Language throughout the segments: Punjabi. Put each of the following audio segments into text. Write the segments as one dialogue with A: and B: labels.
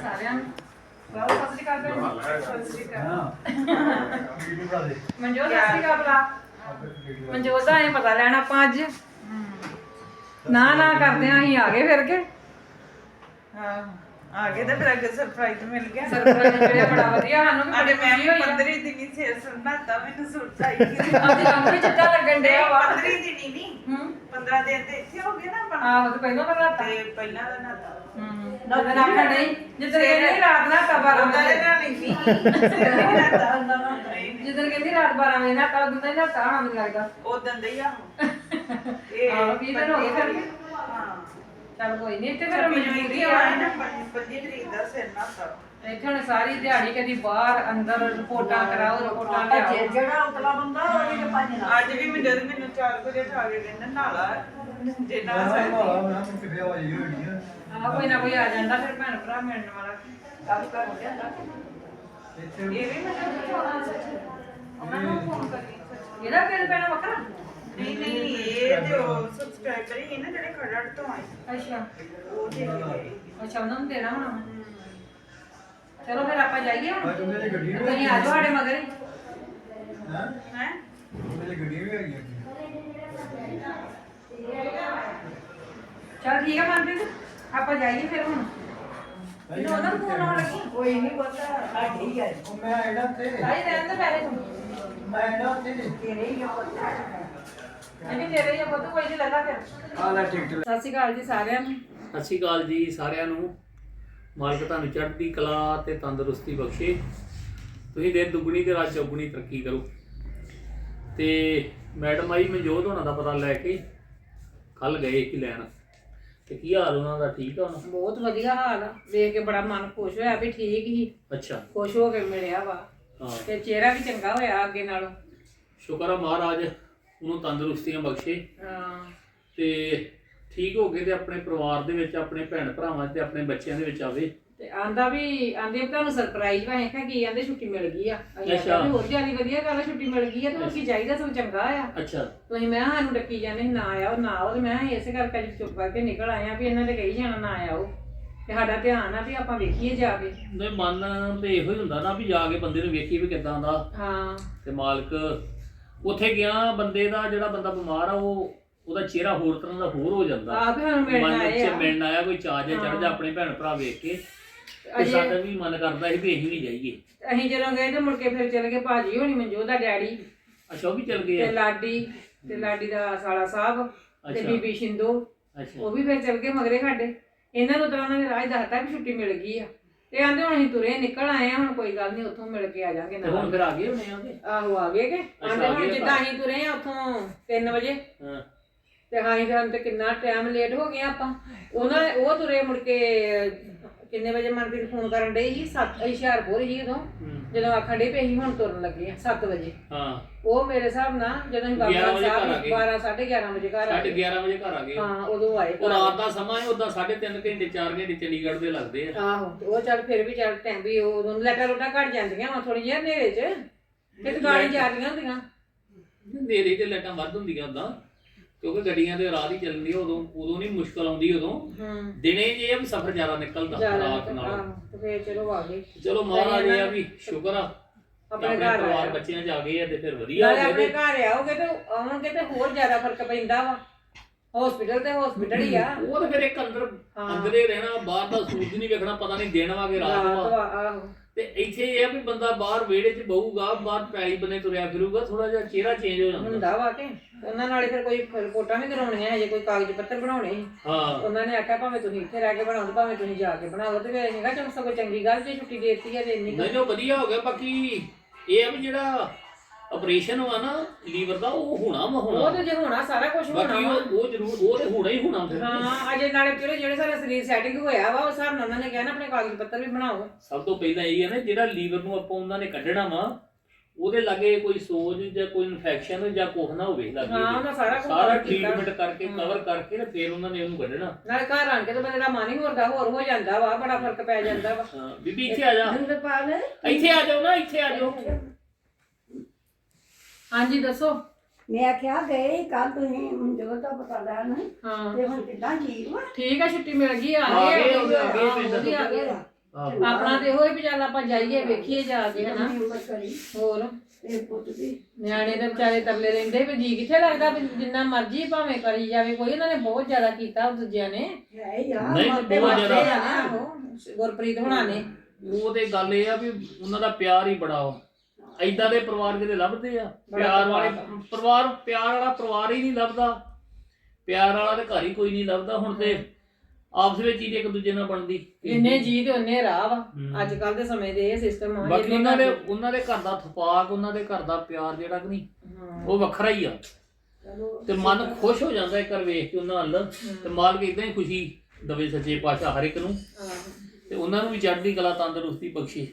A: ਸਾਰਿਆਂ ਨੂੰ ਬਹੁਤ ਸਤਿ ਸ਼੍ਰੀ ਅਕਾਲ ਭੈਣ ਜੀ। ਸਤਿ ਸ਼੍ਰੀ ਅਕਾਲ ਮਨਜੋਤ, ਸਤਿ ਸ਼੍ਰੀ ਅਕਾਲ ਭਰਾ। ਮਨਜੋਤ ਦਾ ਇਹ ਪਤਾ ਲੈਣਾ ਆਪਾਂ ਅੱਜ ਨਾ ਕਰਦੇ ਆਂ ਅਸੀਂ ਆ ਗਏ ਫਿਰ ਕੇ।
B: ਹਾਂ ਆ ਗਏ ਤੇ ਫਿਰ ਅੱਗੇ ਸਰਪ੍ਰਾਈਜ਼ ਮਿਲ ਗਿਆ।
A: ਸਰਪ੍ਰਾਈਜ਼ ਮਿਲਿਆ ਬੜਾ ਵਧੀਆ ਸਾਨੂੰ ਵੀ
B: ਅਰੇ
A: ਬੜੀ
B: ਮੈਂ
A: ਖੁਸ਼ੀ ਹੋਈ
B: 15 ਦਿਨੀ ਸੇ ਸੁਣਾਤਾ ਮੈਨੂੰ ਸੁਰਤ ਆਈ ਕਿ
A: ਅੱਜ ਕੰਮ ਵੀ ਚੰਗਾ ਲੱਗਣ ਡਿਆ ਵਾ।
B: 15 ਦਿਨੀ ਨਹੀਂ 15 ਦਿਨ ਤੇ ਇੱਥੇ ਹੋ ਗਏ ਨਾ ਆਪਾਂ।
A: ਆਹੋ ਤੇ ਪਹਿਲਾਂ ਤਾਂ ਰਾਤ
B: ਤੇ ਪਹਿਲਾਂ ਦਾ ਨਾਤਾ
A: ਜਦੋਂ ਆਖਣ ਨਹੀਂ ਜਿੱਦਣ ਕਹਿੰਦੀ ਰਾਤ ਨਾ 12 ਵਜੇ
B: ਨਾ ਨਹੀਂ ਸੀ ਨਾਤਾ ਹੁੰਦਾ ਨਾ
A: ਜਿੱਦਣ ਕਹਿੰਦੀ ਰਾਤ 12 ਵਜੇ ਨਾ ਤਾਂ ਉਦੋਂ ਦਾ ਹੀ ਨਹਾਤਾ ਹੋਣਾ ਮੈਨੂੰ ਲੱਗਦਾ।
B: ਉਦੋਂ ਦੇ ਹੀ ਆ
A: ਆਹੋ 20 ਦਿਨ ਹੋ ਗਏ ਫਿਰ ਕੇ।
B: ਹਾਂ
A: ਚੱਲ ਕੋਈ ਨਹੀਂ ਇੱਥੇ ਫਿਰ ਮਜਬੂਰੀ
B: ਮਜਬੂਰੀ
A: ਆ
B: ਆ ਨਾ 25 ਤਰੀਕ ਦਾ ਸਿਰ ਨਾਤਾ।
A: ਇੱਥੇ ਹੁਣ ਸਾਰੀ ਦਿਹਾੜੀ ਕਦੀ ਬਾਹਰ ਅੰਦਰ ਰਿਪੋਰਟਾਂ ਕਰਾਓ ਰਿਪੋਰਟਾਂ ਲਿਆਓ।
C: ਜਿਹੜਾ ਉਤਲਾ ਬੰਦਾ ਉਹਦੀ ਤੇ ਭੱਜ ਨਾ।
B: ਅੱਜ ਵੀ ਮੈਨੂੰ 4 ਵਜੇ ਉਠਾ ਕੇ ਕਹਿੰਦਾ ਨਾਲਾ ਜੇ ਨਾ ਸਕਦੀ
A: ਆਹ ਕੋਈ ਨਾ ਕੋਈ ਆ ਜਾਂਦਾ ਫਿਰ ਭੈਣ ਭਰਾ ਮਿਲਣ ਵਾਲਾ ਕੰਮ ਕਰ ਹੋ ਜਾਂਦਾ।
B: ਇਹ ਵੀ ਮੈਨੂੰ ਪੁੱਛਣਾ ਸੱਚ ਉਹਨਾਂ ਨੂੰ ਫੋਨ ਕਰੀ
A: ਇਹਦਾ ਬਿੱਲ ਪੈਣਾ ਵੱਖਰਾ?
B: ਨਹੀਂ ਇਹ ਤੇ ਉਹ ਸਬਸਕ੍ਰਾਈਬਰ ਹੀ ਨਾ ਜਿਹੜੇ ਖੜੜ ਤੋਂ ਆਏ
A: ਅੱਛਾ
B: ਉਹ ਦੇ ਗਏ।
A: ਅੱਛਾ ਉਹਨਾਂ ਨੂੰ ਦੇਣਾ ਹੋਣਾ। ਚਲੋ ਫਿਰ ਆਪਾਂ ਜਾਈਏ ਹੁਣ।
D: ਗੱਡੀ
A: ਤੁਸੀਂ ਆ ਜਾਓ ਸਾਡੇ ਮਗਰ ਹੀ।
B: ਹੈ
D: ਗੱਡੀ ਵੀ ਹੈਗੀ
A: ਚਲ ਠੀਕ ਆ ਮਨਪ੍ਰੀਤ ਆਪਾਂ ਜਾਈਏ ਫਿਰ ਹੁਣ। ਇਹਨੂੰ ਉਹਨਾਂ ਨੂੰ ਫੋਨ ਆਉਣ ਲੱਗੀ।
C: ਕੋਈ ਨਹੀਂ ਪਤਾ ਸਾਡੀ ਹੈ
D: ਉਹ ਮੈਂ ਆਇਆ ਤੇ
A: ਆਈ ਰਹਿਣ ਦੇ ਪਹਿਲੇ ਤੂੰ।
D: ਮੈਂ ਆਇਆ ਤੇ
C: ਤੇਰੇ ਹੀ ਪਤਾ
A: ਅਜੀ ਤੇਰੇ ਹੀ ਆ ਪੁੱਤ ਕੋਈ ਨਹੀਂ ਲੱਗਾ ਫਿਰ।
D: ਆ ਲੈ ਟਿਕਟ
A: ਸਤਿ ਸ਼੍ਰੀ ਅਕਾਲ ਜੀ ਸਾਰਿਆਂ ਨੂੰ।
E: ਸਤਿ ਸ਼੍ਰੀ ਅਕਾਲ ਜੀ ਸਾਰਿਆਂ ਨੂੰ। ਮਾਲਕ ਤੁਹਾਨੂੰ ਚੜ੍ਹਦੀ ਕਲਾ ਤੇ ਤੰਦਰੁਸਤੀ ਬਖਸ਼ੇ। ਤੁਸੀਂ ਦਿਨ ਦੁੱਗਣੀ ਤੇ ਰਾਤ ਚੌਗੁਣੀ ਤਰੱਕੀ ਕਰੋ। ਤੇ ਮੈਡਮ ਆਈ ਮਨਜੋਤ ਹੋਣਾ ਦਾ ਪਤਾ ਲੈ ਕੇ ਕੱਲ ਗਏ ਕਿ ਲੈਣ। ਤੇ ਕੀ ਹਾਲ ਉਹਨਾਂ ਦਾ? ਠੀਕ ਆ ਹੁਣ?
A: ਬਹੁਤ ਵਧੀਆ ਹਾਲ ਆ। ਵੇਖ ਕੇ ਬੜਾ ਮਨ ਖੁਸ਼ ਹੋਇਆ ਵੀ ਠੀਕ ਹੀ।
E: ਅੱਛਾ
A: ਖੁਸ਼ ਹੋ ਕੇ ਮਿਲਿਆ ਵਾ
E: ਹਾਂ
A: ਤੇ ਚਿਹਰਾ ਵੀ ਚੰਗਾ ਹੋਇਆ ਅੱਗੇ ਨਾਲੋਂ।
E: ਸ਼ੁਕਰ ਆ ਮਹਾਰਾਜ ਉਹਨੂੰ ਤੰਦਰੁਸਤੀਆਂ ਬਖਸ਼ੇ
A: ਹਾਂ
E: ਤੇ ਠੀਕ ਹੋ ਕੇ ਤੇ ਆਪਣੇ ਪਰਿਵਾਰ ਦੇ ਵਿੱਚ ਆਪਣੇ ਭੈਣ ਭਰਾਵਾਂ ਤੇ ਆਪਣੇ ਬੱਚਿਆਂ ਦੇ ਵਿੱਚ ਆਵੇ।
A: ਤੇ ਆਂਦੇ ਵੀ ਤੁਹਾਨੂੰ ਸਰਪ੍ਰਾਈਜ਼ ਵਾ। ਕਿਹਾ ਕੀ ਆਂਦੇ ਛੁੱਟੀ ਮਿਲ ਗਈ ਆ। ਅਸੀਂ
E: ਅੱਛਾ।
A: ਆਖਿਆ ਵੀ ਹੋਰ ਜਿਆਦਾ ਵਧੀਆ ਗੱਲ ਆ, ਛੁੱਟੀ ਮਿਲ ਗਈ ਆ ਤੇ ਹੋਰ ਕੀ ਚਾਹੀਦਾ, ਸਭ ਚੰਗਾ ਆ।
E: ਅੱਛਾ
A: ਤੁਸੀਂ ਮੈਂ ਕਿਹਾ ਸਾਨੂੰ ਡੱਕੀ ਜਾਂਦੇ ਸੀ, ਨਾ ਆਓ ਨਾ ਆਓ। ਤੇ ਮੈਂ ਕਿਹਾ ਇਸੇ ਕਰਕੇ ਅੱਜ ਚੁੱਪ ਕਰਕੇ ਨਿਕਲ ਆਏ ਆ ਵੀ ਇਹਨਾਂ ਦੇ ਕਹੀ ਜਾਣਾ ਨਾ ਆਓ ਤੇ ਸਾਡਾ ਧਿਆਨ ਆ ਵੀ ਆਪਾਂ ਵੇਖੀਏ ਜਾ ਕੇ।
E: ਨਹੀਂ ਮਨ ਤੇ ਇਹੋ ਹੀ ਹੁੰਦਾ ਨਾ ਵੀ ਜਾ ਕੇ ਬੰਦੇ ਨੂੰ ਵੇਖੀ ਵੀ ਕਿੱਦਾਂ ਦਾ।
A: ਹਾਂ
E: ਤੇ ਮਾਲਕ ਉੱਥੇ ਗਿਆ ਬੰਦੇ ਦਾ ਜਿਹੜਾ ਬੰਦਾ ਬਿਮਾਰ ਆ ਉਹਦਾ ਚਿਹਰਾ ਹੋਰ ਤਰ੍ਹਾਂ ਦਾ ਹੋਰ ਹੋ ਜਾਂਦਾ।
A: ਆਪ ਹੀ ਸਾਨੂੰ ਮਿਲਣ
E: ਮਨ
A: ਆਏ
E: ਵਿੱਚ
A: ਆ।
E: ਮਿਲਣ ਆਇਆ ਕੋਈ ਚਾਅ ਜਿਹਾ ਚੜ੍ਹ ਜਾ ਆਪਣੇ ਭੈਣ ਭਰਾ ਵੇਖ ਕੇ। ਤੇ
A: ਅਜੇ
E: ਸਾਡਾ ਵੀ ਮਨ ਕਰਦਾ ਸੀ ਵੀ ਅਸੀਂ ਵੀ ਜਾਈਏ।
A: ਅਸੀਂ ਜਦੋਂ ਗਏ ਤੇ ਮੁੜ ਕੇ ਫਿਰ ਚਲੇ ਗਏ ਭਾਜੀ ਹੋਣੀ, ਮਨਜੋਤ ਦਾ ਡੈਡੀ
E: ਅੱਛਾ ਉਹ ਵੀ ਚਲ ਗਏ
A: ਤੇ
E: ਆ?
A: ਲਾਡੀ ਦਾ ਸਾਲਾ ਸਾਹਿਬ ਤੇ
E: ਅੱਛਾ
A: ਬੀਬੀ ਸ਼ਿੰਦੋ
E: ਅੱਛਾ
A: ਉਹ ਵੀ ਫਿਰ ਚਲ ਗਏ ਮਗਰੇ ਸਾਡੇ। ਇਹਨਾਂ ਨੂੰ ਤਾਂ ਉਹਨਾਂ ਨੇ ਰਾਜ ਦੱਸਤਾ ਵੀ ਛੁੱਟੀ ਮਿਲ ਗਈ ਆ ਤੇ ਆਂਦੇ ਹੁਣ ਅਸੀਂ ਤੁਰੇ ਨਿਕਲ ਆਏ ਆ। ਹੁਣ ਕੋਈ ਗੱਲ ਨਹੀਂ ਉੱਥੋਂ ਮਿਲ ਕੇ ਆ ਜਾਾਂਗੇ
E: ਤੇ ਹੁਣ
A: ਨਾਲ।
E: ਫਿਰ ਆ ਗਏ ਹੋਣੇ ਆਗੇ?
A: ਆਹੋ ਆ ਗਏ ਕਿ ਆਂਦੇ
E: ਆ
A: ਹੁਣ
E: ਗਏ
A: ਜਿੱਦਾਂ
E: ਘਰ।
A: ਅਸੀਂ ਤੁਰੇ ਆ ਉੱਥੋਂ 3 ਵਜੇ
E: ਹਾਂ
A: ਤੇ ਹਾਂ ਤੇ ਕਿੰਨਾ ਟਾਈਮ ਲੇਟ ਹੋ ਗਏ ਆਪਾਂ। ਉਹ ਤੁਰੇ ਮੁੜ ਕੇ ਕਿੰਨੇ ਵਜੇ ਮਨਪ੍ਰੀਤ ਫੋਨ ਕਰਨ ਡਈ ਸੀ? 7 ਹੁਸ਼ਿਆਰਪੁਰ ਸੀ ਉਦੋਂ ਜਦੋਂ ਆਖਣ ਡੇ ਵੀ ਅਸੀਂ ਹੁਣ ਤੁਰਨ ਲੱਗੇ ਆ 7 ਵਜੇ।
E: ਹਾਂ
A: ਉਹ ਮੇਰੇ ਹਿਸਾਬ ਨਾਲ ਜਦੋਂ ਅਸੀਂ ਬਾਬਾ
E: 11 ਵਜੇ ਘਰ ਆ
A: ਸਾਹਿਬ
E: ਗਏ।
A: 12 11:30 ਵਜੇ ਘਰ ਆ ਗਏ।
E: 11:30 ਵਜੇ ਘਰ ਆ ਗਏ।
A: ਹਾਂ ਉਦੋਂ ਆਏ
E: ਉਹ
A: ਘਰ।
E: ਰਾਤ ਦਾ ਸਮਾਂ ਹੈ ਉਦਾਂ 3.5 ਘੰਟੇ 4 ਘੰਟੇ ਚੰਡੀਗੜ੍ਹ ਦੇ ਲੱਗਦੇ ਆ।
A: ਆਹੋ ਤੇ ਉਹ ਚੱਲ ਫਿਰ ਵੀ ਚੱਲ ਟਾਈਮ ਵੀ ਉਦੋਂ ਲੈਟਾਂ ਰੋਟਾਂ ਘੱਟ ਜਾਂਦੀਆਂ ਵਾ ਥੋੜੀ ਜਿਹੀ ਹਨੇਰੇ 'ਚ ਤੇ ਦੁਕਾਨਾਂ ਜਾਂਦੀਆਂ ਹੁੰਦੀਆਂ।
E: ਨੇਰੇ ਤੇ ਲਾਈਟਾਂ ਵੱਧ ਹੁੰਦੀਆਂ ਉਦਾਂ ਕਿਉਂਕਿ ਗੱਡੀਆਂ ਤੇ ਰਾਤ ਹੀ ਚੱਲਦੀ ਉਦੋਂ ਨਹੀਂ ਮੁਸ਼ਕਲ ਆਉਂਦੀ। ਉਦੋਂ ਦਿਨੇ ਜੇ ਆ ਵੀ ਸਫ਼ਰ ਜ਼ਿਆਦਾ ਨਿਕਲਦਾ ਰਾਤ ਨਾਲ।
A: ਤੇ ਫਿਰ ਚਲੋ ਆ ਗਏ
E: ਚਲੋ ਮਹਾਰਾਜ ਇਹ ਆ ਵੀ ਸ਼ੁਕਰ ਆ
A: ਆਪਣੇ ਘਰ
E: ਪਰਿਵਾਰ
A: ਆਏ।
E: ਬੱਚਿਆਂ ਚ ਆ ਗਏ ਆ ਤੇ ਫਿਰ ਵਧੀਆ
A: ਨਾਲੇ
E: ਹੋ
A: ਆਪਣੇ
E: ਗਏ।
A: ਘਰ ਆਓਗੇ ਤੇ ਆਉਣਗੇ ਤੇ ਹੋਰ ਜ਼ਿਆਦਾ ਫਰਕ ਪੈਂਦਾ ਵਾ। ਹਸਪੀਟਲ ਤੇ ਹਸਪੀਟਲ ਹੀ ਆ।
E: ਉਹ ਤਾਂ ਫਿਰ ਇੱਕ ਅੰਦਰੇ ਰਹਿਣਾ, ਬਾਹਰ ਦਾ ਸੂਰਜ ਨਹੀਂ ਵੇਖਣਾ, ਪਤਾ ਨਹੀਂ ਦਿਨ ਵਾ ਕਿ ਰਾਤ ਵਾ।
A: ਆਹੋ
E: ਤੇ ਇੱਥੇ ਇਹ ਆ ਵੀ ਬੰਦਾ ਬਾਹਰ ਵਿਹੜੇ 'ਚ ਬਹੂਗਾ, ਬਾਹਰ ਪੈਲੀ ਬੰਨੇ ਤੁਰਿਆ ਫਿਰੂਗਾ, ਥੋੜਾ ਜਿਹਾ ਚਿਹਰਾ ਚੇਂਜ ਹੋ ਜਾਂਦਾ
A: ਹੁੰਦਾ ਵਾ ਕਿ ਉਹਨਾਂ ਨਾਲੇ ਫਿਰ ਕੋਈ ਰਿਪੋਰਟਾਂ ਵੀ ਕਰਾਉਣੀਆਂ ਹਜੇ, ਕੋਈ ਕਾਗਜ਼ ਪੱਤਰ ਬਣਾਉਣੇ ਸੀ।
E: ਹਾਂ
A: ਉਹਨਾਂ ਨੇ ਆਖਿਆ ਭਾਵੇਂ ਤੁਸੀਂ ਇੱਥੇ ਰਹਿ ਕੇ ਬਣਾਓ ਤੇ ਭਾਵੇਂ ਤੁਸੀਂ ਜਾ ਕੇ ਬਣਾਓ। ਤੇ ਫਿਰ ਹੈਗਾ ਚਲ ਸਗੋਂ ਚੰਗੀ ਗੱਲ ਜੇ ਛੁੱਟੀ ਦੇ ਦਿੱਤੀ ਹੈ ਤੇ ਇੰਨੀ
E: ਨਹੀਂ ਜੋ ਵਧੀਆ ਹੋ ਗਿਆ। ਬਾਕੀ ਇਹ ਆ ਵੀ ਜਿਹੜਾ ਆਪਰੇਸ਼ਨ ਵਾ ਨਾ ਲੀਵਰ ਦਾ ਉਹ ਹੋਣਾ ਵਾ
A: ਉਹ
E: ਹੋਣਾ।
A: ਤੇ ਜੇ ਹੋਣਾ ਸਾਰਾ ਕੁਝ ਹੋਣਾ
E: ਬਾਕੀ
A: ਵਾ।
E: ਉਹ ਜ਼ਰੂਰ ਉਹ ਤੇ ਹੋਣਾ ਹੀ ਹੋਣਾ ਫਿਰ।
A: ਹਾਂ ਅਜੇ ਨਾਲੇ ਜਿਹੜੇ ਸਾਰਾ ਸਰੀਰ ਸੈਟਿੰਗ ਹੋਇਆ ਵਾ ਉਸ ਹਿਸਾਬ ਨਾਲ ਉਹਨਾਂ ਨੇ ਕਿਹਾ ਨਾ ਆਪਣੇ ਕਾਗਜ਼ ਪੱਤਰ ਵੀ ਬਣਾਓ।
E: ਸਭ ਤੋਂ ਪਹਿਲਾਂ ਇਹ ਹੈ ਨਾ ਜਿਹੜਾ ਲੀਵਰ ਨੂੰ ਆਪਾਂ ਉਹਨਾਂ ਨੇ ਕੱਢਣਾ ਵਾ ਉਹਦੇ ਲਾਗੇ ਕੋਈ ਸੋਜ ਜਾਂ ਕੋਈ ਇਨਫੈਕਸ਼ਨ ਜਾਂ ਕੁਛ ਨਾ ਹੋਵੇ
A: ਹਾਂ
E: ਲਾਗੇ।
A: ਉਹਨਾਂ ਸਾਰਾ ਕੁਝ
E: ਸਾਰਾ ਟ੍ਰੀਟਮੈਂਟ ਕਰਕੇ ਕਵਰ ਕਰਕੇ ਤੇ ਫਿਰ ਉਹਨਾਂ ਨੇ ਉਹਨੂੰ ਕੱਢਣਾ।
A: ਨਾਲੇ ਘਰ ਆਣ ਕੇ ਤਾਂ ਬੰਦੇ ਦਾ ਮਨ ਹੀ ਹੋਰ ਹੋ ਜਾਂਦਾ ਵਾ, ਬੜਾ ਫਰਕ ਪੈ ਜਾਂਦਾ ਵਾ।
E: ਹਾਂ ਬੀਬੀ ਇੱਥੇ ਆ ਜਾ,
C: ਜਿੰਦਰਪਾਲ
E: ਇੱਥੇ ਆ ਜਾਓ ਨਾ, ਇੱਥੇ ਆ ਜਾਓ।
A: ਹਾਂਜੀ ਦੱਸੋ।
C: ਮੈਂ ਆਖਿਆ ਗਏ ਕੱਲ ਤੁਸੀਂ ਮਨਜੋਤ ਦਾ ਪਤਾ ਲੈਣ
A: ਹਾਂ
C: ਤੇ ਹੁਣ ਕਿੱਦਾਂ ਠੀਕ ਵਾ?
A: ਠੀਕ ਆ, ਛੁੱਟੀ ਮਿਲ ਗਈ ਆ
E: ਆ ਗਏ,
A: ਗਏ
E: ਆ ਗਏ,
A: ਆ ਗਏ।
E: ਆਹੋ।
A: ਆਪਣਾ ਤੇ ਇਹੋ ਹੀ ਵੀ ਚੱਲ ਆਪਾਂ ਜਾਈਏ ਵੇਖੀਏ ਜਾ ਕੇ ਹਨਾ
C: ਉਮਰ ਕਰੀ
A: ਹੋਰ
C: ਤੇ ਪੁੱਤ ਦੀ
A: ਨਿਆਣੇ ਦੇ ਵਿਚਾਰੇ ਤਰਲੇ ਲੈਂਦੇ ਵੀ ਜੀ ਕਿੱਥੇ ਲੱਗਦਾ ਵੀ ਜਿੰਨਾ ਮਰਜ਼ੀ ਭਾਵੇਂ ਕਰੀ ਜਾਵੇ ਕੋਈ ਉਹਨਾਂ ਨੇ ਬਹੁਤ ਜ਼ਿਆਦਾ ਕੀਤਾ ਉਹ ਦੂਜਿਆਂ ਨੇ
C: ਹੈ ਯਾਰ
E: ਨਹੀਂ,
C: ਮਾਪੇ
E: ਬਹੁਤ
C: ਵਾਸਤੇ
E: ਜ਼ਿਆਦਾ।
C: ਆ ਨਾ।
A: ਆਹੋ, ਗੁਰਪ੍ਰੀਤ ਹੋਣਾ ਨੇ
E: ਉਹ ਤੇ ਗੱਲ ਇਹ ਆ ਵੀ ਉਹਨਾਂ ਦਾ ਪਿਆਰ ਹੀ ਬੜਾ ਵਾ ਐਦਾਂ ਦੇ ਪਰਿਵਾਰ ਕਿਤੇ ਲੱਭਦੇ ਆ ਪਿਆਰ ਵਾਲੇ ਪਰਿਵਾਰ ਪਿਆਰ ਵਾਲਾ ਪਰਿਵਾਰ ਹੀ ਨਹੀਂ ਲੱਭਦਾ ਪਿਆਰ ਵਾਲਾ ਤੇ ਘਰ ਹੀ ਕੋਈ ਨਹੀਂ ਲੱਭਦਾ ਹੁਣ ਤੇ ਆਪਸ ਵਿੱਚ ਹੀ ਇੱਕ ਦੂਜੇ ਨਾਲ ਬਣਦੀ
A: ਜਿੰਨੇ ਜੀ ਤੇ ਉਹਨੇ ਰਾਹ ਵਾ ਅੱਜ ਕੱਲ ਦੇ ਸਮੇਂ ਦੇ ਇਹ ਸਿਸਟਮ ਆ
E: ਬਾਕੀ ਉਹਨਾਂ ਦੇ ਘਰ ਦਾ ਥਪਾਕ ਉਹਨਾਂ ਦੇ ਘਰ ਦਾ ਪਿਆਰ ਜਿਹੜਾ ਕਿ ਨਹੀਂ ਉਹ ਵੱਖਰਾ ਹੀ ਆ ਤੇ ਮਨ ਖੁਸ਼ ਹੋ ਜਾਂਦਾ ਇੱਕ ਵਾਰ ਵੇਖ ਕੇ ਉਹਨਾਂ ਵੱਲ ਤੇ ਮਾਲਕ ਇਦਾਂ ਹੀ ਖੁਸ਼ੀ ਦਵੇ ਸੱਚੇ ਪਾਤਸ਼ਾਹ ਹਰ ਇੱਕ ਨੂੰ ਤੇ ਉਹਨਾਂ ਨੂੰ ਵੀ ਚੜ੍ਹਦੀ ਕਲਾ ਤੰਦਰੁਸਤੀ ਬਖਸ਼ੇ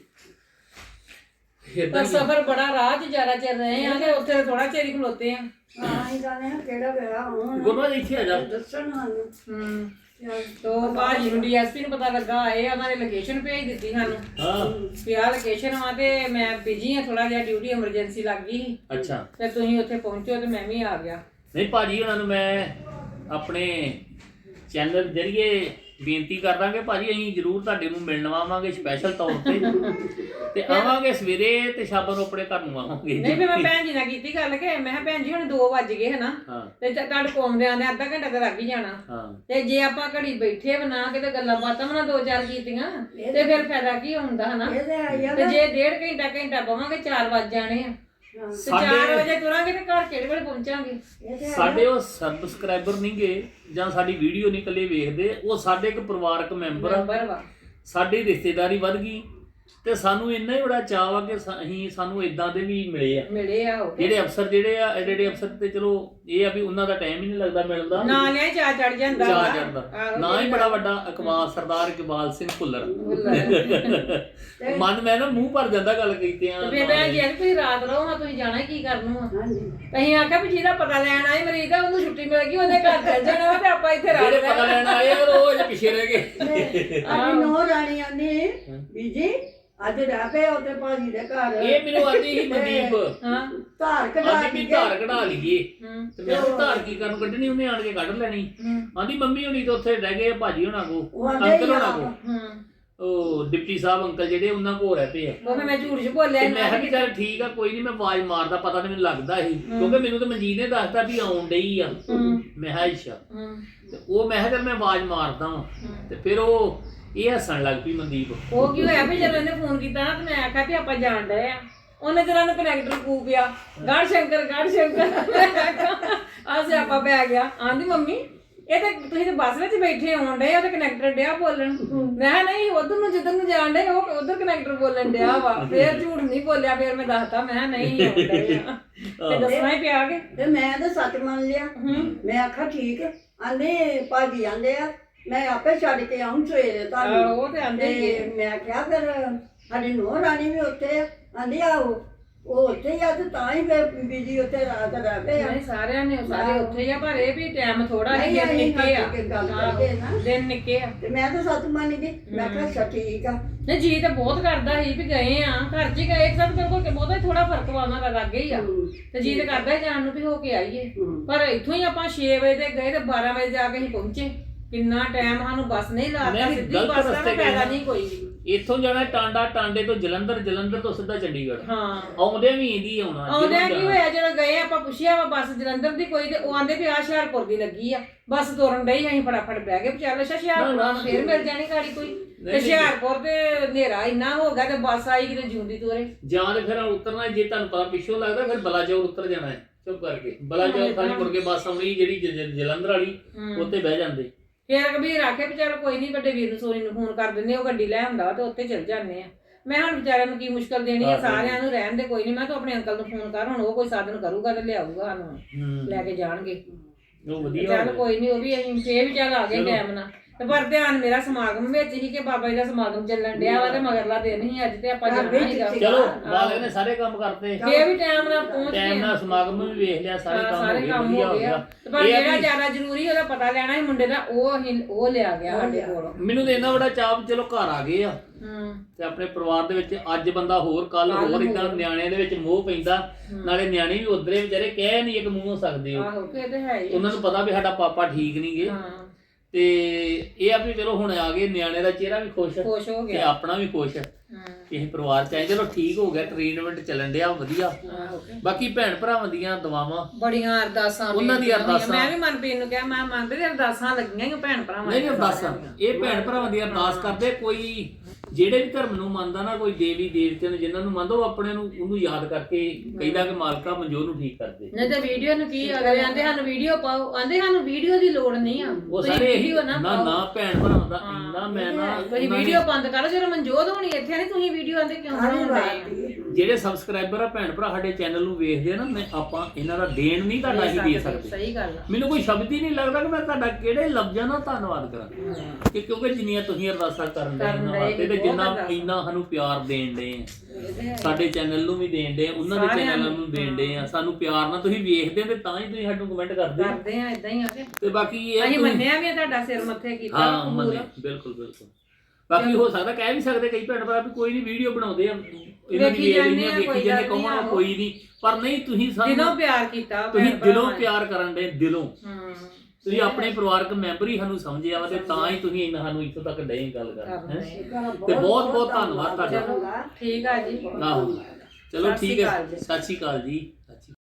A: ਪਰ ਸਫ਼ਰ ਬੜਾ ਰਾਹ 'ਚ ਜ਼ਿਆਦਾ ਚਿਰ ਰਹੇ ਆ ਤੇ ਉੱਥੇ ਥੋੜਾ ਚਿਰ ਹੀ ਖਲੋਤੇ ਆ
C: ਹਾਂ ਇਹ ਜਾਣੇ ਕਿਹੜਾ ਵੇਲਾ ਹੁਣ
E: ਗੁਰੂਆ ਇੱਥੇ ਆ ਜਾ
C: ਦੱਸਣ ਸਾਨੂੰ
A: ਤੋ ਭਾਜੀ ਨੂੰ ਡੀਐਸਪੀ ਨੂੰ ਪਤਾ ਲੱਗਾ ਆਏ ਉਹਨਾਂ ਨੇ ਲੋਕੇਸ਼ਨ ਭੇਜ ਦਿੱਤੀ ਸਾਨੂੰ
E: ਹਾਂ
A: ਵੀ ਆਹ ਲੋਕੇਸ਼ਨ ਆ ਤੇ ਮੈਂ ਬਿਜੀ ਆ ਥੋੜਾ ਜਿਹਾ ਡਿਊਟੀ ਐਮਰਜੈਂਸੀ ਲੱਗ ਗਈ ਸੀ
E: ਅੱਛਾ
A: ਤੇ ਤੁਸੀਂ ਉੱਥੇ ਪਹੁੰਚੋ ਤੇ ਮੈਂ ਵੀ ਆ ਗਿਆ
E: ਨਹੀਂ ਭਾਜੀ ਉਹਨਾਂ ਨੂੰ ਮੈਂ ਆਪਣੇ ਚੈਨਲ ਜਰੀਏ ਬੇਨਤੀ ਕਰ ਦਾਂਗੇ ਭਾਜੀ ਅਸੀਂ ਜ਼ਰੂਰ ਤੁਹਾਡੇ ਨੂੰ ਮਿਲਣ ਆਵਾਂਗੇ ਸਪੈਸ਼ਲ ਤੌਰ ਤੇ ਆਵਾਂਗੇ ਸਵੇਰੇ ਤੇ ਸ਼ਾਮ ਨੂੰ ਆਪਣੇ ਘਰ ਨੂੰ ਆਵਾਂਗੇ
A: ਨਹੀਂ ਫਿਰ ਮੈਂ ਭੈਣ ਜੀ ਨਾਲ ਕੀਤੀ ਗੱਲ ਕਿ ਮੈਂ ਕਿਹਾ ਭੈਣ ਜੀ ਹੁਣ 2 ਵੱਜ ਗਏ ਹਨਾ ਤੇ ਤੁਹਾਡੇ ਕੋਮਦੇ ਆਂਦੇ ਅੱਧਾ ਘੰਟਾ ਤਾਂ ਲੱਗ ਹੀ ਜਾਣਾ ਤੇ ਜੇ ਆਪਾਂ ਘੜੀ ਬੈਠੇ ਬਣਾ ਕੇ ਤੇ ਗੱਲਾਂ ਬਾਤਾਂ ਬਣਾ 2-4 ਕੀਤੀਆਂ ਤੇ ਫਿਰ ਫਾਇਦਾ ਕੀ ਹੁੰਦਾ ਹਨਾ ਤੇ ਜੇ 1.5 ਘੰਟਾ ਪਵਾਂਗੇ 4 ਵੱਜ ਜਾਣੇ ਆ ਤੇ 4 ਵਜੇ ਤੁਰਾਂਗੇ ਤੇ ਘਰ ਕਿਹੜੇ ਵੇਲੇ ਪਹੁੰਚਾਂਗੇ
E: ਸਾਡੇ ਉਹ ਸਬਸਕ੍ਰਾਈਬਰ ਨਹੀਂਗੇ ਜਾਂ ਸਾਡੀ ਵੀਡੀਓ ਨਹੀਂ ਇਕੱਲੇ ਵੇਖਦੇ ਉਹ ਸਾਡੇ ਇੱਕ ਪਰਿਵਾਰਕ ਮੈਂਬਰ ਆ ਸਾਡੀ ਰਿਸ਼ਤੇਦਾਰੀ ਵੱਧ ਗਈ ਤੇ ਸਾਨੂੰ ਇੰਨਾ ਹੀ ਬੜਾ ਚਾਅ ਆ ਕਿ ਸਾਨੂੰ ਇਦਾਂ ਦੇ ਵੀ ਮਿਲੇ ਆ ਜਿਹੜੇ ਅਫਸਰ ਜਿਹੜੇ ਆ ਐਡੇ ਅਫਸਰ ਤੇ ਚਲੋ ਇਹ ਆ ਵੀ ਉਹਨਾਂ ਦਾ ਟਾਈਮ ਹੀ ਨਹੀਂ ਲੱਗਦਾ ਮਿਲਦਾ
A: ਨਾ ਲਿਆ ਚਾਹ ਚੜ ਜਾਂਦਾ
E: ਨਾ ਹੀ ਬੜਾ ਵੱਡਾ ਇਕਬਾਲ ਸਰਦਾਰ ਇਕਬਾਲ ਸਿੰਘ ਭੁੱਲਰ ਮਨ ਮੈਂ ਨਾ ਮੂੰਹ ਭਰ ਜਾਂਦਾ ਗੱਲ ਕੀਤੇ ਆ
A: ਤੇ ਭੈਣ ਜੀ ਤੁਸੀਂ ਰਾਤ ਰਹੋ ਹਾਂ ਤੁਸੀਂ ਜਾਣਾ ਕੀ ਕਰਨ ਨੂੰ ਆ ਅਸੀਂ ਆਖਿਆ ਵੀ ਜਿਹਦਾ ਪਤਾ ਲੈਣ ਆਏ ਮਰੀਜ਼ ਦਾ ਉਹਨੂੰ ਛੁੱਟੀ ਮਿਲ ਗਈ ਉਹਦੇ ਘਰ ਚੱਲ ਜਾਣਾ ਤੇ ਆਪਾਂ ਇੱਥੇ ਰਾਤ
E: ਜਿਹੜੇ ਪਤਾ ਲੈਣ ਆਏ ਉਹ ਜੇ ਪਿੱਛੇ ਰਹਿ ਗਏ
C: ਅੱਜ ਨੋ ਰਾਣੀਆਂ ਨੇ ਬੀਜੀ ਅੱਜ ਰਹਿ ਪਏ ਉੱਤੇ ਭਾਜੀ ਦੇ ਘਰ
E: ਇਹ ਮੈਨੂੰ ਆਂਦੀ ਸੀ ਮਨਦੀਪ
C: ਧਾਰ ਕਢਾ
E: ਵੀ ਧਾਰ ਕਢਾ ਲਈਏ ਤੇ ਮੈਂ ਕਿਹਾ ਧਾਰ ਕੀ ਕਰਨ ਕੱਢਣੀ ਉਹਨੇ ਆਣ ਕੇ ਕੱਢ ਲੈਣੀ ਆਂਦੀ ਮੰਮੀ ਹੁਣੀ ਤਾਂ ਉੱਥੇ ਰਹਿ ਗਏ ਭਾਜੀ ਹੋਣਾ ਕੋ ਅੰਕਲ ਹੋਣਾ ਕੋ ਉਹ ਡਿਪਟੀ ਸਾਹਿਬ ਅੰਕਲ ਜਿਹੜੇ ਉਹਨਾਂ ਕੋਲ ਰਹਿ ਪਏ ਆ
A: ਉਹ ਮੈਂ ਝੂਠ ਬੋਲਿਆ
E: ਮੈਂ ਕਿਹਾ ਕਿ ਚੱਲ ਠੀਕ ਆ ਕੋਈ ਨਹੀਂ ਮੈਂ ਆਵਾਜ਼ ਮਾਰਦਾ ਪਤਾ ਨਹੀਂ ਮੈਨੂੰ ਲੱਗਦਾ ਸੀ ਕਿਉਂਕਿ ਮੈਨੂੰ ਤਾਂ ਮਨਜੀਤ ਨੇ ਦੱਸਤਾ ਵੀ ਆਉਣ ਡਈ ਆ ਮੈਂ ਕਿਹਾ ਅੱਛਾ ਤੇ ਉਹ ਮੈਂ ਕਿਹਾ ਚੱਲ ਮੈਂ ਆਵਾਜ਼ ਮਾਰਦਾ ਵਾਂ ਤੇ ਫਿਰ ਉਹ ਇਹ ਹੱਸਣ ਲੱਗ ਪਈ ਮਨਦੀਪ
A: ਉਹ ਕੀ ਹੋਇਆ ਵੀ ਜਦੋਂ ਇਹਨੇ ਫੋਨ ਕੀਤਾ ਨਾ ਤੇ ਮੈਂ ਆਖਿਆ ਵੀ ਆਪਾਂ ਜਾਣ ਡਏ ਆ ਉਹਨੇ ਜਰਾ ਨੂੰ ਕਨੈਕਟਰ ਫੂਕਿਆ ਗੜ ਸ਼ੰਕਰ ਆ ਸਿਆਪਾ ਪੈ ਗਿਆ ਆਂਦੀ ਮੰਮੀ ਇਹ ਤਾਂ ਤੁਸੀਂ ਤੇ ਬੱਸ ਵਿੱਚ ਬੈਠੇ ਆਉਣ ਡਏ ਉਹ ਤੇ ਕਨੈਕਟਰ ਡਿਆ ਬੋਲਣ ਮੈਂ ਨਹੀਂ ਉਧਰ ਨੂੰ ਜਿੱਧਰ ਨੂੰ ਜਾਣ ਡਏ ਉਹ ਉਧਰ ਕਨੈਕਟਰ ਬੋਲਣ ਡਿਆ ਵਾ ਫੇਰ ਝੂਠ ਨਹੀਂ ਬੋਲਿਆ ਫੇਰ ਮੈਂ ਦੱਸਤਾ ਮੈਂ ਨਹੀਂ ਆਉਣ ਡਏ ਆ ਤੇ ਦੱਸਣਾ ਹੀ ਪਿਆ ਕੇ
C: ਤੇ ਮੈਂ ਤਾਂ ਸੱਚ ਮੰਨ ਲਿਆ ਮੈਂ ਆਖਿਆ ਠੀਕ ਆਂਦੇ ਭਾਜੀ ਆਂਦੇ ਆ ਮੈਂ ਆਪੇ ਛੱਡ ਕੇ ਆਉਂ ਸਵੇਰੇ ਤੁਹਾਨੂੰ
A: ਉਹ ਤੇ ਆਂਦੇ ਹੀ
C: ਮੈਂ ਕਿਹਾ ਫਿਰ ਸਾਡੀ ਨੂੰਹ ਰਾਣੀ ਵੀ ਉੱਥੇ ਆ ਆਂਦੀ ਆਹੋ ਉਹ ਉੱਥੇ ਹੀ ਆ ਤੇ ਤਾਂ ਹੀ ਫਿਰ ਬੀਜੀ ਉੱਥੇ ਰਾਤ ਰਹਿ ਪਏ ਆ
A: ਨਹੀਂ ਸਾਰਿਆਂ ਨੇ ਸਾਰੇ ਉੱਥੇ ਹੀ ਆ ਪਰ ਇਹ ਵੀ ਟਾਈਮ ਥੋੜਾ ਹੀ ਦਿਨ ਨਿੱਕੇ ਆ ਦਿਨ ਨਿੱਕੇ ਆ
C: ਤੇ ਮੈਂ ਤਾਂ ਸੱਚ ਮੰਨ ਗਈ ਮੈਂ ਕਿਹਾ ਅੱਛਾ ਠੀਕ ਆ
A: ਨਹੀਂ ਜੀ ਤਾਂ ਬਹੁਤ ਕਰਦਾ ਸੀ ਵੀ ਗਏ ਆ ਘਰ 'ਚ ਹੀ ਗਏ ਸਭ ਕਰਕੇ ਬਹੁਤਾ ਥੋੜਾ ਫਰਕ ਵਾ ਉਹਨਾਂ ਦਾ ਲੱਗ ਹੀ ਆ ਤੇ ਜੀ ਤਾਂ ਕਰਦਾ ਜਾਣ ਨੂੰ ਵੀ ਹੋ ਕੇ ਆਈਏ ਪਰ ਇੱਥੋਂ ਹੀ ਆਪਾਂ 6 ਵਜੇ ਤੇ ਗਏ ਤੇ 12 ਵਜੇ ਜਾ ਕੇ ਅਸੀਂ ਪਹੁੰਚੇ ਕਿੰਨਾ ਟਾਈਮ ਸਾਨੂੰ ਬੱਸ ਨਹੀਂ ਲਾਤਾ ਸਿੱਧੀ ਬੱਸ ਦਾ ਫਾਇਦਾ ਨਹੀਂ ਕੋਈ ਵੀ
E: ਇੱਥੋਂ ਜਾਣਾ ਟਾਂਡੇ ਤੋਂ ਜਲੰਧਰ ਤੋਂ ਸਿੱਧਾ ਚੰਡੀਗੜ੍ਹ
A: ਹਾਂ
E: ਆਉਂਦੇ ਵੀ ਇਹਦੀ ਆਉਣਾ
A: ਆਉਂਦਿਆਂ ਕੀ ਹੋਇਆ ਜਦੋਂ ਗਏ ਆਪਾਂ ਪੁੱਛਿਆ ਵਾ ਬੱਸ ਜਲੰਧਰ ਦੀ ਕੋਈ ਤੇ ਉਹ ਆਂਦੇ ਵੀ ਆ ਹੁਸ਼ਿਆਰਪੁਰ ਦੀ ਲੱਗੀ ਆ ਬੱਸ ਤੁਰਨ ਡਈ ਅਸੀਂ ਫਟਾਫਟ ਬਹਿ ਗਏ ਚੱਲ ਹੁਸ਼ਿਆਰਪੁਰ ਫੇਰ ਮਿਲ ਜਾਣੀ ਗਾੜੀ ਕੋਈ ਤੇ ਹੁਸ਼ਿਆਰਪੁਰ ਤੇ ਹਨੇਰਾ ਇੰਨਾ ਹੋ ਗਿਆ ਤੇ ਬੱਸ ਆਈ ਕਿਤੇ ਜਿਉਂਦੀ ਤੋਰੇ
E: ਜਾਂ ਤੇ ਫਿਰ ਉਤਰਨਾ ਜੇ ਤੁਹਾਨੂੰ ਪਤਾ ਪਿੱਛੋਂ ਲੱਗਦਾ ਫਿਰ ਬਲਾਚੌਰ ਉਤਰ ਜਾਣਾ ਹੈ ਚੁੱਪ ਕਰਕੇ ਬਲਾਚੌਰ ਖਾਲੀ ਮੁੜ ਕੇ ਬੱਸ ਆਉਣੀ ਜਿਹੜੀ ਜਲੰਧਰ ਵਾਲੀ ਉੱਤੇ ਬਹਿ ਜਾਂਦੇ
A: ਫੇਰ ਕਬੀਰ ਆਖੇ ਵੀ ਚੱਲ ਕੋਈ ਨਹੀਂ ਵੱਡੇ ਵੀਰ ਨੂੰ ਸੋਨੀ ਨੂੰ ਫੋਨ ਕਰ ਦਿੰਦੇ ਉਹ ਗੱਡੀ ਲੈ ਆਉਂਦਾ ਤੇ ਉੱਥੇ ਚਲ ਜਾਂਦੇ ਆ ਮੈਂ ਹੁਣ ਵਿਚਾਰਿਆਂ ਨੂੰ ਕੀ ਮੁਸ਼ਕਲ ਦੇਣੀ ਆ ਸਾਰਿਆਂ ਨੂੰ ਰਹਿਣ ਦੇ ਕੋਈ ਨਹੀਂ ਮੈਂ ਤਾਂ ਆਪਣੇ ਅੰਕਲ ਨੂੰ ਫੋਨ ਕਰ ਹੁਣ ਉਹ ਕੋਈ ਸਾਧਨ ਕਰੂਗਾ ਤੇ ਲਿਆਊਗਾ ਸਾਨੂੰ ਲੈ ਕੇ ਜਾਣਗੇ
E: ਉਹ ਵਧੀਆ
A: ਚੱਲ ਕੋਈ ਨਹੀਂ ਉਹ ਵੀ ਅਸੀਂ ਫੇਰ ਵੀ ਚੱਲ ਆ ਗਏ ਟਾਈਮ ਨਾਲ ਤੇ ਪਰ ਧਿਆਨ ਮੇਰਾ ਸਮਾਗਮ ਵਿੱਚ ਹੀ ਕਿ ਬਾਬਾ ਜੀ ਦਾ ਸਮਾਗਮ ਚੱਲਣ ਡਿਆ ਵਾ ਤੇ ਮਗਰਲਾ ਦਿਨ ਹੀ ਅੱਜ ਤੇ ਆਪਾਂ ਜਾਣਾ ਸੀਗਾ
E: ਚਲੋ ਮਾਲਕ ਨੇ ਸਾਰੇ ਕੰਮ ਕਰਤੇ
A: ਫੇਰ ਵੀ ਟਾਈਮ ਨਾਲ ਪਹੁੰਚ ਗਏ
E: ਟਾਈਮ ਨਾਲ ਸਮਾਗਮ ਵੀ ਵੇਖ ਲਿਆ ਸਾਰੇ ਕੰਮ
A: ਹੋ ਗਏ ਪਰ ਜਿਹੜਾ ਜ਼ਿਆਦਾ ਜ਼ਰੂਰੀ ਉਹਦਾ ਪਤਾ ਲੈਣਾ ਸੀ ਮੁੰਡੇ ਦਾ ਉਹ ਲਿਆ ਗਿਆ ਸਾਡੇ ਕੋਲ
E: ਮੈਨੂੰ ਤੇ ਇੰਨਾ ਬੜਾ ਚਾਅ ਚਲੋ ਘਰ ਆ ਗਏ ਆ ਤੇ ਆਪਣੇ ਪਰਿਵਾਰ ਦੇ ਵਿੱਚ ਅੱਜ ਬੰਦਾ ਹੋਰ ਕੱਲ ਹੋਰ ਇਦਾਂ ਨਿਆਣਿਆਂ ਦੇ ਵਿੱਚ ਮੋਹ ਪੈਂਦਾ ਨਾਲੇ ਨਿਆਣੇ ਵੀ ਉਧਰੇ ਵਿਚਾਰੇ ਕਹਿ ਨਹੀਂ ਇੱਕ ਮੂੰਹੋਂ ਸਕਦੇ
A: ਆਹੋ ਕਿ ਤੇ ਹੈ ਹੀ
E: ਉਹਨਾਂ ਨੂੰ ਪਤਾ ਵੀ ਸਾਡਾ ਪਾਪਾ ਠੀਕ ਨਹੀਂ ਗੇ ਤੇ ਇਹ ਆ ਵੀ ਚਲੋ ਹੁਣ ਆ ਗਏ, ਨਿਆਣੇ ਦਾ ਚਿਹਰਾ ਵੀ ਖੁਸ਼
A: ਖੁਸ਼ ਹੋ
E: ਤੇ
A: ਗਿਆ।
E: ਆਪਣਾ ਵੀ ਖੁਸ਼ ਇਹ ਪਰਿਵਾਰ ਚ ਆਏ। ਚਲੋ ਠੀਕ ਹੋ ਗਿਆ, ਟ੍ਰੀਟਮੈਂਟ ਚੱਲਣ ਡਿਆ ਵਧੀਆ। ਬਾਕੀ ਭੈਣ ਭਰਾਵਾਂ ਦੀਆਂ ਦੁਆਵਾਂ
A: ਬੜੀਆਂ ਅਰਦਾਸਾਂ
E: ਉਹਨਾਂ ਦੀਆਂ ਅਰਦਾਸਾਂ।
A: ਮੈਂ ਵੀ ਮਨਪ੍ਰੀਤ ਨੂੰ ਕਿਹਾ ਮੈਂ ਮੰਗਦੇ ਤੇ ਅਰਦਾਸਾਂ ਲੱਗੀਆਂ ਹੀ ਭੈਣ ਭਰਾਵਾਂ
E: ਨਹੀਂ ਅਰਦਾਸਾਂ ਇਹ ਭੈਣ ਭਰਾਵਾਂ ਦੀ ਅਰਦਾਸ ਕਰਦੇ। ਕੋਈ ਜਿਹੜੇ ਵੀ ਧਰਮ ਨੂੰ ਮੰਨਦਾ ਨਾ, ਕੋਈ ਦੇਵੀ ਦੇਵਤੇ ਨੂੰ ਜਿਨ੍ਹਾਂ ਨੂੰ ਮੰਨਦਾ, ਉਹ ਆਪਣੇ ਨੂੰ ਉਹਨੂੰ ਯਾਦ ਕਰਕੇ ਕਹਿੰਦਾ ਕਿ ਮਾਲਕਾ ਮਨਜੋਤ ਨੂੰ ਠੀਕ ਕਰਦੇ।
A: ਨਹੀਂ ਤੇ ਵੀਡੀਓ ਨੂੰ ਕੀ ਅਗਲੇ ਆਂਦੇ ਸਾਨੂੰ ਵੀਡੀਓ ਪਾਓ, ਆਂਦੇ ਸਾਨੂੰ ਵੀਡੀਓ ਦੀ ਲੋੜ ਨਹੀਂ ਆ,
E: ਉਹ ਸਾਰੇ ਨਾ ਭੈਣ ਭਰਾਵਾਂ ਦਾ ਇੰਨਾ ਮੈਂ ਨਾ
A: ਤੁਸੀਂ ਵੀਡੀਓ ਬੰਦ ਕਰੋ। ਜਦੋਂ ਮਨਜੋਤ ਹੋਣੀ ਇੱਥੇ ਨਹੀਂ ਤੁਸੀਂ ਵੀਡੀਓ ਆਂਦੇ ਕਿਉਂ ਬਣਾਉਂਦੇ?
E: ਜਿਹੜੇ ਸਬਸਕ੍ਰਾਈਬਰ ਆ ਭੈਣ ਭਰਾ ਸਾਡੇ ਚੈਨਲ ਨੂੰ ਵੇਖਦੇ ਆ ਨਾ, ਮੈਂ ਆਪਾਂ ਇਹਨਾਂ ਦਾ ਦੇਣ ਨਹੀਂ ਤੁਹਾਡਾ ਹੀ ਦੇ ਸਕਦੇ।
A: ਸਹੀ ਗੱਲ ਆ।
E: ਮੈਨੂੰ ਕੋਈ ਸ਼ਬਦ ਹੀ ਨਹੀਂ ਲੱਗਦਾ ਕਿ ਮੈਂ ਤੁਹਾਡਾ ਕਿਹੜੇ ਲਫ਼ਜ਼ਾਂ ਨਾਲ ਧੰਨਵਾਦ ਕਰਾਂ, ਕਿ ਕਿਉਂਕਿ ਜਿੰਨੀਆਂ ਤੁਸੀਂ ਅਰਦਾਸਾਂ ਕਰਨ ਦੇ ਇਹਨਾਂ ਵਾਸਤੇ ਤੇ ਜਿੰਨਾ ਇੰਨਾ ਸਾਨੂੰ ਪਿਆਰ ਦੇਣ ਦੇ ਆ, ਸਾਡੇ ਚੈਨਲ ਨੂੰ ਵੀ ਦੇਣ ਦੇ, ਉਹਨਾਂ ਦੇ ਚੈਨਲਾਂ ਨੂੰ ਦੇਣ ਦੇ ਆ। ਸਾਨੂੰ ਪਿਆਰ ਨਾਲ ਤੁਸੀਂ ਵੇਖਦੇ ਤੇ ਤਾਂ ਹੀ ਤੁਸੀਂ ਸਾਨੂੰ ਕਮੈਂਟ ਕਰਦੇ
A: ਆ ਇਦਾਂ ਹੀ ਆ ਕੇ।
E: ਤੇ ਬਾਕੀ ਇਹ
A: ਅਸੀਂ ਮੰਨਿਆ ਵੀ ਤੁਹਾਡਾ ਸਿਰ ਮੱਥੇ ਕੀਤਾ।
E: ਹਾਂ ਮੰਨਿਆ ਬਿਲਕੁਲ ਬਿਲਕੁਲ। ਬਾਕੀ ਹੋ ਸਕਦਾ ਕਹਿ ਵੀ ਸਕਦੇ ਕਈ ਭੈਣ ਭਰਾ ਵੀ ਕੋਈ ਨਹੀਂ ਵੀਡੀਓ ਬਣਾਉਂਦੇ ਆ ਇਹਨਾਂ ਦੀ ਵੇਖ ਲੈਂਦੇ ਆ, ਵੇਖੀ ਜਾਂਦੇ, ਕਹੋਣਾ ਕੋਈ ਨਹੀਂ, ਪਰ ਨਹੀਂ ਤੁਸੀਂ ਸਾਨੂੰ
A: ਦਿਲੋਂ ਪਿਆਰ ਕੀਤਾ,
E: ਤੁਸੀਂ ਦਿਲੋਂ ਪਿਆਰ ਕਰਨ ਦੇ ਦਿਲੋਂ। ਤੁਸੀਂ ਆਪਣੇ ਪਰਿਵਾਰਕ ਮੈਂਬਰ ਹੀ ਸਾਨੂੰ ਸਮਝਿਆ ਵਾ ਤੇ ਤਾਂ ਹੀ ਤੁਸੀਂ ਇਹਨਾਂ ਸਾਨੂੰ ਇੱਥੋਂ ਤੱਕ ਡਏ ਗੱਲ ਕਰਨ ਤੇ ਬਹੁਤ ਬਹੁਤ ਧੰਨਵਾਦ ਤੁਹਾਡਾ।
A: ਠੀਕ ਆ ਜੀ।
E: ਆਹੋ ਚਲੋ ਠੀਕ ਹੈ, ਸਤਿ ਸ਼੍ਰੀ ਅਕਾਲ ਜੀ।